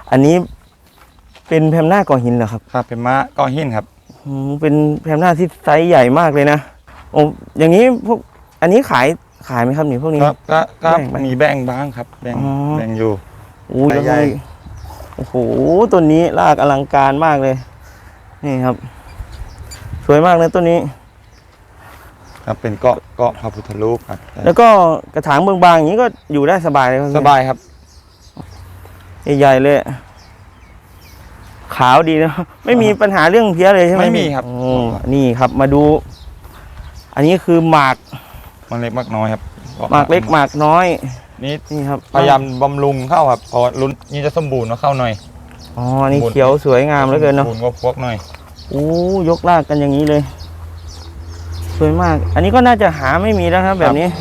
อันนี้เป็นแพมหน้าก่อหินเหรอครับครับเป็นม้าก้อหินครับเป็นแพมหน้าที่ไซส์ใหญ่มากเลยนะโอ้อย่างนี้พวกอันนี้ขายไหมครับนี่พวกนี้ก็มีแบ่งบ้างครับแบ่งอยู่ใหญ่โอ้โหต้นนี้รากอลังการมากเลยนี่ครับสวยมากเลยต้นนี้ครับเป็นเกาะพระพุทธรูปครับแล้วก็กระถางบางๆอย่างนี้ก็อยู่ได้สบายเลยสบายครับใหญ่ๆเลยขาวดีนะไม่มีปัญหาเรื่องเพี้ยเลยใช่ไหมไม่มีครับนี่ครับมาดูอันนี้คือหมากเล็กมากน้อยครับหมากเล็กหมากน้อยนี่ครับพยายามบำรุงเข้าครับพอรุ่นนี้จะสมบูรณ์มาเข้าหน่อยอ๋อนี่เขียวสวยงามเหลือเกินเนาะสมบูรณ์ก็พวกหน่อยยกรากกันอย่างนี้เลยสวยมากอันนี้ก็น่าจะหาไม่มีแล้วครับแบบนี้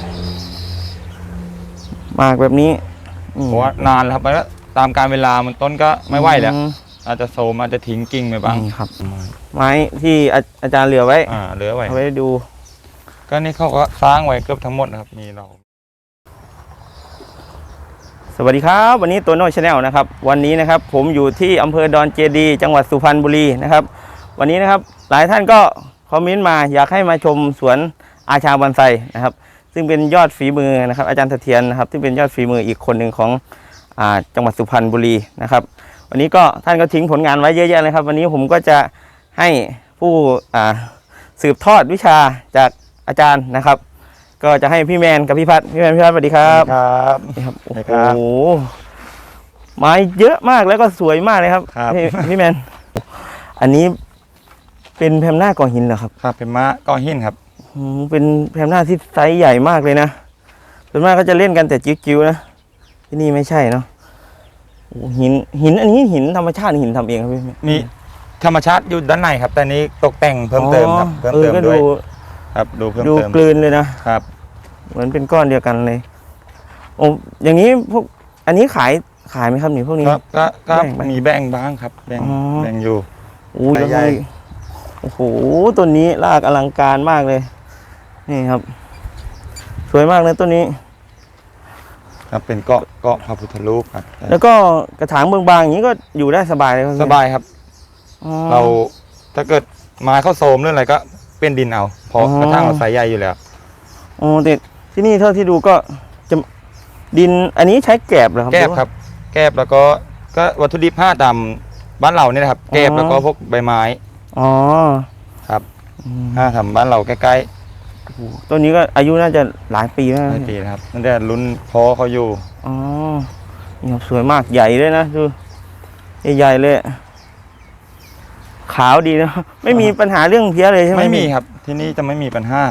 หมากแบบนี้เพราะว่านานแล้วครับแล้วตามการเวลามันต้นก็ไม่ไหวแล้วอาจจะโซมอาจจะทิ้งกิ่งไปบ้างครับไม้ที่อาจารย์เหลือไว้เหลือไว้เอาไว้ดูก็นี่เขาก็สร้างไว้เกือบทั้งหมดนะครับมีเราสวัสดีครับวันนี้ตัวโน้ตชาแนลนะครับวันนี้นะครับผมอยู่ที่อำเภอดอนเจดีจังหวัดสุพรรณบุรีนะครับวันนี้นะครับหลายท่านก็คอมเมนต์มาอยากให้มาชมสวนอาชาบอนไซนะครับซึ่งเป็นยอดฝีมือนะครับอาจารย์เสถียรนะครับซึ่งเป็นยอดฝีมืออีกคนหนึ่งของจังหวัดสุพรรณบุรีนะครับวันนี้ก็ท่านก็ทิ้งผลงานไว้เยอะแยะเลยครับวันนี้ผมก็จะให้ผู้สืบทอดวิชาจากอาจารย์นะครับก็จะให้พี่แมนกับพี่พัฒน์สวัสดีครับครับโอ้โหไม้เยอะมากแล้วก็สวยมากเลยครับพี่แมนอันนี้เป็นแพมหน้าก่อหินเหรอครับครับเป็นม้าก้อหินครับเป็นแพมหน้าที่ไซส์ใหญ่มากเลยนะส่วนมากก็จะเล่นกันแต่จิ๋วๆนะที่นี่ไม่ใช่เนาะหินอันนี้หินธรรมชาติหินทำเองครับพี่มีธรรมชาติอยู่ด้านในครับแต่นี้ตกแต่งเพิ่มเติมครับเพิ่มเติมด้วยครับดูเพิ่มเติมดูกลืนเลยนะครับเหมือนเป็นก้อนเดียวกันเลยโอ้อย่างนี้พวกอันนี้ขายไหมครับนี่พวกนี้ก็มีแบ่งบ้างครับแบ่งอยู่ใหญ่โอ้โหต้นนี้รากอลังการมากเลยนี่ครับสวยมากเลยต้นนี้ครับเป็นเกาะพระพุทธรูปครับแล้วก็กระถางบางๆอย่างนี้ก็อยู่ได้สบายเลยสบายครับเราถ้าเกิดไม้เข้าโซมเรื่องอะไรก็เป็นดินเอาเพราะกระถางเราใส่ใหญ่อยู่แล้วแต่ที่นี่เท่าที่ดูก็จะดินอันนี้ใช้แกบเหรอครับแกบครับแกบแล้วก็วัตถุดิบ5ดำบ้านเราเนี่ยนะครับแกบแล้วก็พวกใบไม้ครับทำบ้านเราใกล้ๆต้นนี้ก็อายุน่าจะหลายปีแล้วหลายปีนะครับนั่นแต่รุ่นพ่อเขาอยู่นี่ครับสวยมากใหญ่เลยนะดูใหญ่เลยขาวดีนะไม่มีปัญหาเรื่องเพี้ยเลยใช่ไหมไม่มีครับที่นี่จะไม่มีปัญหา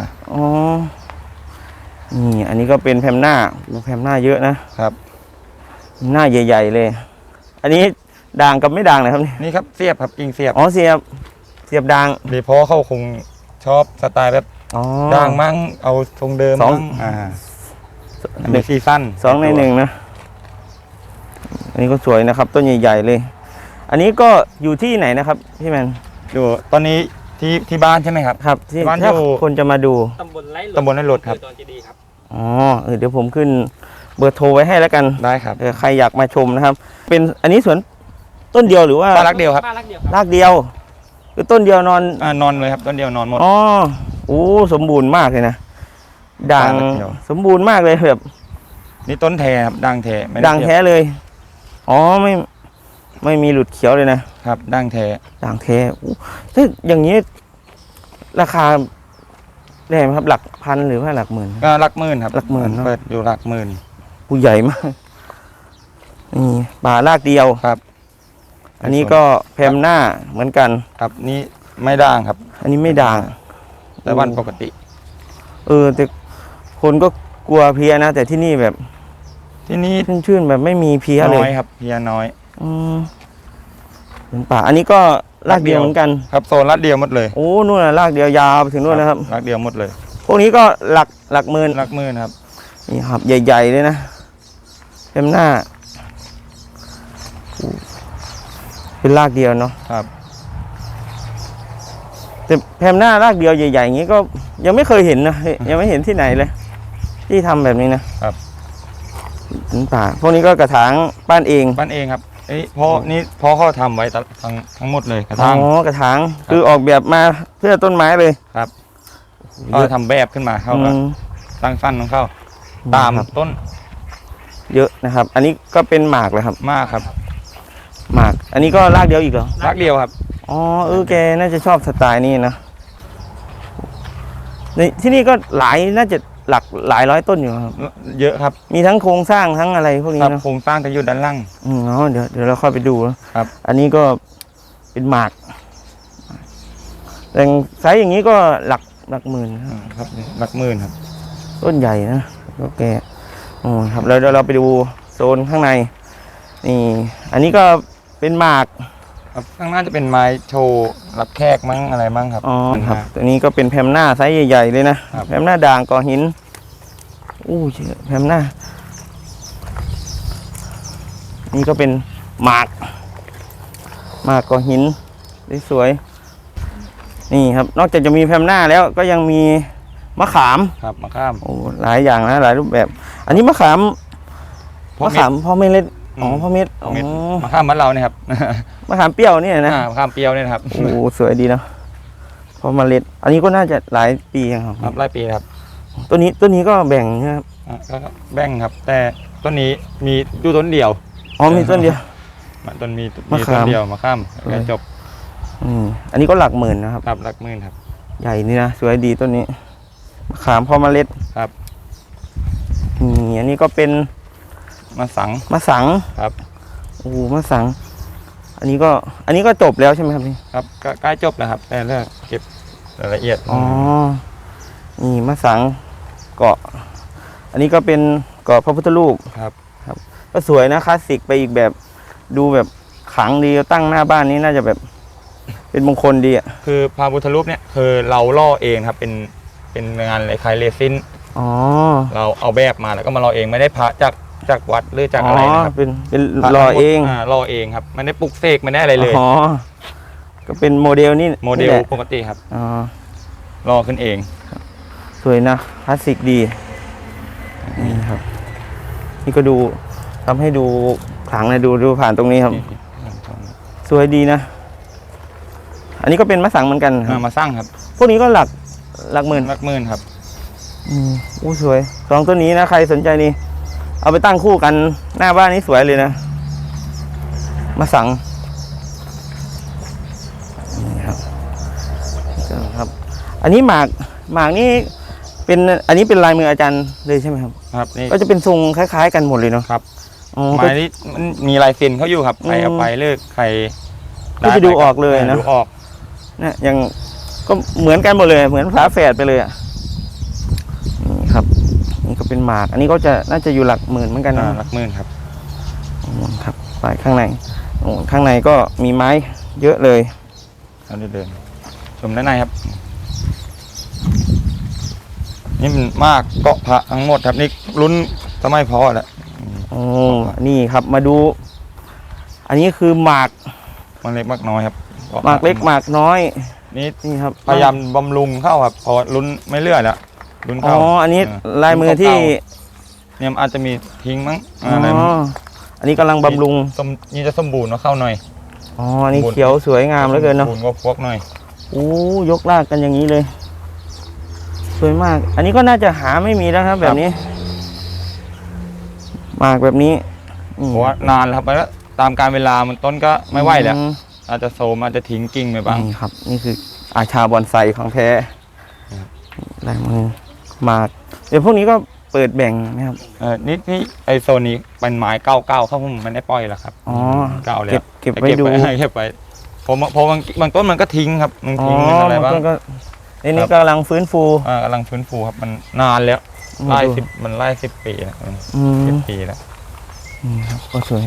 นี่อันนี้ก็เป็นแพมหน้าแพมหน้าเยอะนะครับหน้าใหญ่ๆเลยอันนี้ด่างกับไม่ด่างนะครับนี่ครับเสียบครับกิ่งเสียบเสียบด่างดีเพราะเขาคงชอบสไตล์แบบด่างมั่งเอาทรงเดิมมั่งมีซีซั่น 2 ใน 1นะอันนี้ก็สวยนะครับต้นใหญ่ๆเลยอันนี้ก็อยู่ที่ไหนนะครับพี่แมนอยู่ตอนนี้ที่บ้านใช่ไหมครับครับที่บ้านคนจะมาดูตำบลไร่รถครับเดี๋ยวผมขึ้นเบอร์โทรไว้ให้แล้วกันได้ครับใครอยากมาชมนะครับเป็นอันนี้สวนต้นเดียวหรือว่าบ้านรักเดียวครับรากเดียวคือต้นเดียวนอนเลยครับต้นเดียวนอนหมดสมบูรณ์มากเลยนะด่างสมบูรณ์มากเลยแบบนี่ต้นแท้ครับด่างแท้ด่างแท้เลยไม่มีหลุดเขียวเลยนะครับด่างแท้ถ้าอย่างนี้ราคาได้ไหมครับหลักพันหรือว่าหลักหมื่นก็หลักหมื่นครับหลักหมื่นเปิดอยู่หลักหมื่นผู้ใหญ่มากนี่ป่ารากเดียวครับอันนี้ก็แพมหน้าเหมือนกันครับนี่ไม่ด่างครับอันนี้ไม่ด่างแต่วันปกติแต่คนก็กลัวเพี้ยนะแต่ที่นี่แบบที่นี่ชื่นแบบไม่มีเพี้ยเลยน้อยครับเพี้ยน้อยเป็นป่าอันนี้ก็รากเดียวเหมือนกันครับโซนรากเดียวหมดเลยนู่นรากเดียวยาวไปถึงนู่นนะครับรากเดียวหมดเลยพวกนี้ก็หลักหมื่นครับนี่ครับใหญ่ๆเลยนะแพมหน้าเป็นรากเดียวเนาะครับแต่แพมหน้ารากเดียวใหญ่ๆอย่างนี้ก็ยังไม่เคยเห็นนะยังไม่เห็นที่ไหนเลยที่ทำแบบนี้นะครับถึงป่าพวกนี้ก็กระถางปั้นเองครับพ่อเขาทำไว้ทั้งหมดเลยกระถางอ๋อกระถางครับคือออกแบบมาเพื่อต้นไม้เลยครับเขาทำแบบขึ้นมาเขาก็อืมตั้งฟันของเขาตามครับต้นเยอะนะครับ อันนี้ก็เป็นหมากเลยครับมากครับหมาก อันนี้ก็รากเดียวอีกเหรอรักเดียวครับอ๋อแกน่าจะชอบสไตล์นี้นะในที่นี่ก็น่าจะหลายร้อยต้นอยู่ครับเยอะครับมีทั้งโครงสร้างทั้งอะไรพวกนี้ครับเนอะโครงสร้างจะอยู่ด้านล่างเดี๋ยวเราค่อยไปดูนะครับ อันนี้ก็เป็นหมาก แต่ไซส์อย่างนี้ก็หลักหมื่นนะครับครับหลักหมื่นครับต้นใหญ่นะก็แกครับแล้วเดี๋ยวเราไปดูโซนข้างใน นี่ อันนี้ก็เป็นหมากครับข้างหน้าจะเป็นไม้โชว์รับแขกมั้งอะไรมั้งครับอ๋อครับตัวนี้ก็เป็นแพมหน้าไซส์ใหญ่ๆเลยนะครับแพมหน้าด่างก่อหินเชื่อแพมหน้า นี่ก็เป็นหมากก่อหินสวยๆนี่ครับ นอกจากจะมีแพมหน้าแล้วก็ยังมีมะขามครับมะข้ามหลายอย่างนะหลายรูปแบบ อันนี้มะขามพ่อมะเม็ดขามพ่อเม็ดพ่อเม็ดพ่อเม็ดมะข้ามบ้านเราเนี่ยครับมะขามเปรี้ยวเนี่ยนะมะข้ามเปรี้ยวเนี่ยนะครับสวยดีเนาะพอเมล็ด อันนี้ก็น่าจะหลายปียังครับครับไล่ปีครับต้นนี้ก็แบ่งนะครับก็แบ่งครับ แต่ต้นนี้มีอยู่ต้นเดียวอ๋อมีต้นเดียวต้นมีมะขามต้นเดียวมะข้ามแล้วจบอันนี้ก็หลักหมื่นนะครับครับหลักหมื่นครับใหญ่นี่นะสวยดีต้นนี้มะขามพอเมล็ดครับอันนี้ก็เป็นมะสังมะสังครับมะสัง อันนี้ก็จบแล้วใช่ไหมครับพี่ครับก็ใกล้จบแล้วครับ แต่เลือกเก็บรายละเอียดนี่มะสังเกาะ อันนี้ก็เป็นเกาะพระพุทธรูปครับก็สวยนะคลาสสิกไปอีกแบบดูแบบขลังดีตั้งหน้าบ้านนี้น่าจะแบบเป็นมงคลดีอ่ะคือพระพุทธรูปเนี่ยคือเราล่อเองครับเป็นงานคล้ายๆเรซินอ๋อเราเอาแบบมาแล้วก็มาล่อเองไม่ได้พระจากวัดหรือจากอะไรนะครับเป็นพะรอเองล่อเองครับไม่ได้ปลุกเสกไม่ได้อะไรเลยอ๋อก็เป็นโมเดลนี่โมเดลนี่แหะปกติครับอ๋อล่อขึ้นเองสวยนะคลาสสิกดีนี่ครับ นี่ก็ดูทำให้ดูขลังนะดูผ่านตรงนี้ครับ สวยดีนะ อันนี้ก็เป็นมะสังเหมือนกันครับมาสร้างครับพวกนี้ก็หลักหมื่นหลักหมื่นครับสวยสองต้นนี้นะใครสนใจนี่เอาไปตั้งคู่กันหน้าบ้านนี้สวยเลยนะมะสังนี่ครับ อันนี้หมากนี่อันนี้เป็นลายมืออาจารย์เลยใช่ไหมครับครับนี่ก็จะเป็นทรงคล้ายๆกันหมดเลยเนาะครับอ๋อไม้นี้มันมีลายเซ็นเขาอยู่ครับใครเอาไปเลิกใครก็จะดูออกเลยนะดูออกเนี่ยยังก็เหมือนกันหมดเลยเหมือนฝาแฝดไปเลยอ่ะนี่ครับ นี่ก็เป็นหมาก อันนี้ก็น่าจะอยู่หลักหมื่นเหมือนกันนะหลักหมื่นครับครับไปข้างในข้างในก็มีไม้เยอะเลยเราเดินชมด้านในครับ นี่มันมากเกาะพระทั้งหมดครับนี่ลุ้นสมัยพ่อแหละนี่ครับมาดู อันนี้คือหมากมันเล็กมากน้อยครับหมากเล็กหมากน้อยนี่นี่ครับพยายามบำรุงเข้าครับพอลุ้นไม่เลื่อยแล้วลุ้นอ๋อเข้าอันนี้เลายมือที่เนี่ยมันอาจจะมีทิ้งมั้งอ๋อะไรออันนี้กำลังบำรุงนี่จะสมบูรณ์เนาะเข้าหน่อยอ๋ออันนี้เขียวสวยงามเหลือเกินเนาะสมบูรณ์ก็พวกหน่อยยกลากกันอย่างนี้เลย สวยมาก อันนี้ก็น่าจะหาไม่มีแล้วครับ แบบนี้หมากแบบนี้เพราะว่านานแล้วครับแล้วตามการเวลามันต้นก็ไม่ไหวแล้วอาจจะโซมอาจจะทิ้งกิ่งไปบ้างนี่ครับ นี่คืออาชาบอนไซของแท้ครับลายมือหมาก เดี๋ยวพวกนี้ก็เปิดแบ่งนะครับนี่ไอโซนนี้เป็นไม้เก่าๆเขาผมไม่ได้ปล่อยแล้วครับอ๋อเก่าแล้วเก็บไว้ดูเก็บไว้พอบางต้นมันก็ทิ้งครับมันทิ้งมันอะไรบ้างบต้นก็นี่กำลังฟื้นฟูกำลังฟื้นฟูครับมันนานแล้วมาไล่ดู 10 ปีแล้วอืม 10 ปีแล้วนี่ครับก็สวย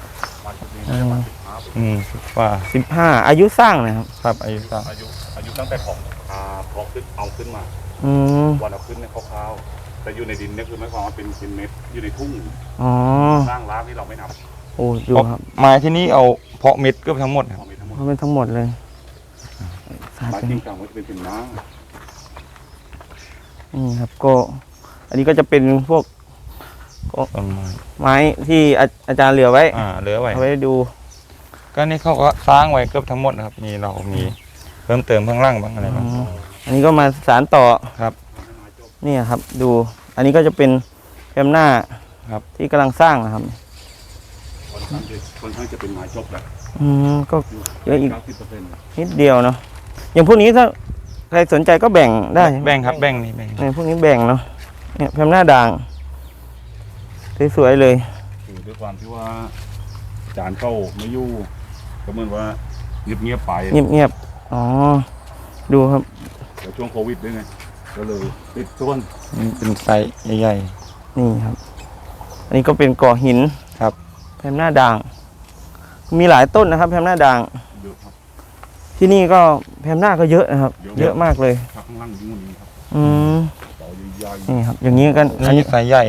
ว่า 15 อายุสร้างนะครับครับอายุสร้างอายุตั้งแต่ของพอขึ้นเอาขึ้นมาอืมวันเอาขึ้นเนี่ยคร่าวๆแต่อยู่ในดินเนี่ยคือหมายความว่าเป็นเม็ดอยู่ในทุ่งอ๋อสร้างรากที่เราไม่นับโอ้ดูครับไม้ที่นี่เอาเพาะเม็ดเกือบทั้งหมดครับเอาไปทั้งหมดเขาเป็นทั้งหมดเลยไม้จริงจังมันจะเป็นน้านี่ครับก็ อันนี้ก็จะเป็นพวกต้นไม้ไม้ที่อาจารย์เหลือไว้เหลือไว้เอาไว้ดูก็นี่เขาก็สร้างไว้เกือบทั้งหมดนะครับมีเรามีเพิ่มเติมข้างล่างบ้างอะไรบ้างอันนี้ก็มาสารต่อครับเนี่ยครับดู อันนี้ก็จะเป็นแคมหน้าครับที่กำลังสร้างนะครับค่อนข้างจะเป็นไม้จบแหละก็เยอะอีก 90% นิดเดียวเนาะอย่างพวกนี้ถ้าใครสนใจก็แบ่งได้แบ่งครับแบ่งนี่แบ่งเนี่ยพวกนี้แบ่งเนาะเนี่ยแคมหน้าด่างสวยๆเลยคือด้วยความที่ว่าอาจารย์เข้าไม่อยู่ก็เหมือนว่าเงียบๆไปเงียบๆอ๋อดูครับแล้วช่วงโควิดด้วยไงก็เลยติดส่วนนี่เป็นไซส์ใหญ่นี่ครับ อันนี้ก็เป็นก่อหินครับแพมหน้าด่าง มีหลายต้นนะครับ แพมหน้าด่างเยอะครับที่นี่ก็แพมหน้าก็เยอะนะครับเยอะเยอะมากเลยข้างล่างยิ่งกว่านี้ครับอืมต่อใหญ่นี่ครับ อย่างนี้กันๆอันนี่นี้ไซส์ใหญ่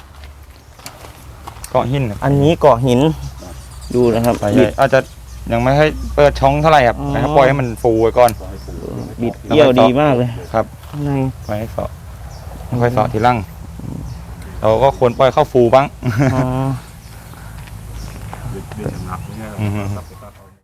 เกาะหินครับอันนี้เกาะหิน ดูนะครับไซส์ใหญ่อาจจะยังไม่ให้เปิดช่องเท่าไหร่ครับอ๋อนะครับปล่อยให้มันฟูไว้ก่อนๆขอให้ปลูกบิดเกี่ยวดีมากเลยครับข้างในไว้ให้เสาะค่อยเสาะทีหล่างเราก็ควรปล่อยเข้าฟูบ้างอ๋อเดือนหนักเนี่ยอือฮึตัดไปตัดเอา